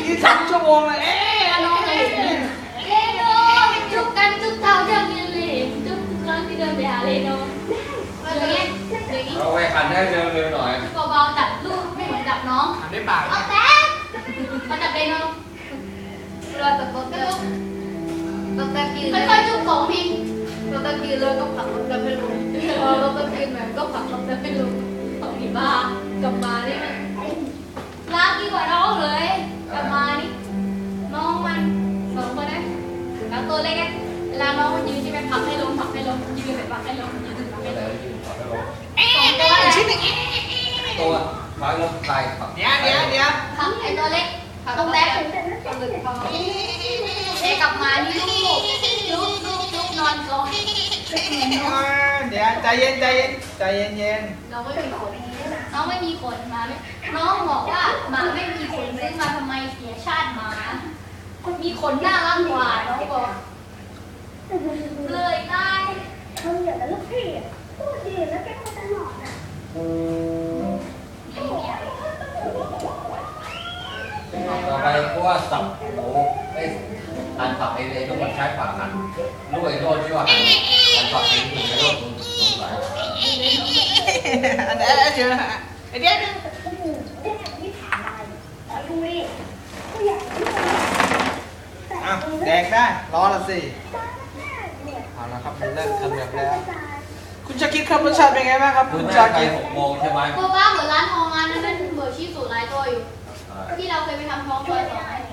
ยืน2 ชั่วโมงเลยน้องเลยเรโนจุกกันจุกเท้าจังเลยจุกครั้งที่เดินไปหาเรโนอย่างเงี้ยอย่างงี้เอาไว้ขันได้เร็วๆหน่อยเบาๆจับลูกไม่เหมือนจับน้องหันด้วยปากเอาแต่มาจับเรโนเราตัดรถก็ลูกเราตัดยืนค่อยๆจุกของพิงเราตัดยืนเลยก็ผลักรถไปลงเราตัดยืนแบบก็ผลักรถไปลงของอีบ้ากลับมานี่มันรักยิ่งกว่าน้องเลยกลับมานี่น้องมัน2 คนนะแล้วตัวเล็กเวลาน้องมันยืนใช่ไหมผลักให้ลงยืนไปผลักให้ลงยืนผลักให้ลงตัวไม้ลงไข่ผักเดี๋ยวผลักไอ้ตัวเล็กตรงแรกกลับมานี่ลูกนอนก่อนเดี๋ยวใจเย็นน้องไม่มีขนน้องไม่มีขนมาน้องบอกว่าหมาไม่มีขนซื้อมาทำไมเสียชาติหมามีขนน่ารักกว่าน้องบอกเลยได้เขาเหลือแล้วลูกพี่พูดดีแล้วแกก็ตลอดอ่ะต่อไปเพราะว่าสับโอ้ไอ้หันผักไอ้ต้องมันใช้ปากหันลูกไอ้โรดที่ว่าหันผักเองถึงไอ้โรดสงสัยอันนี้เดี๋ยวไอเดียนึงโอ้โหแม่ไม่ผ่านอะไรแต่ดูดิก็อยากที่จะแต่อ้าวแดกได้รอละสิตอนแรกเนี่ยเอาละครับมันเริ่มทำแบบแล้ว คุณชาคิดครับรสชาติเป็นไงบ้างครับคุคุณ ณแม่ชาไปคิด 6 โมงใช่ไหมเพราะว่าเหมือนร้านทองร้านนั้นเป็นเบอร์ชีสูตรหลายตัวอยู่ที่เราเคยไปทำท้องซอย2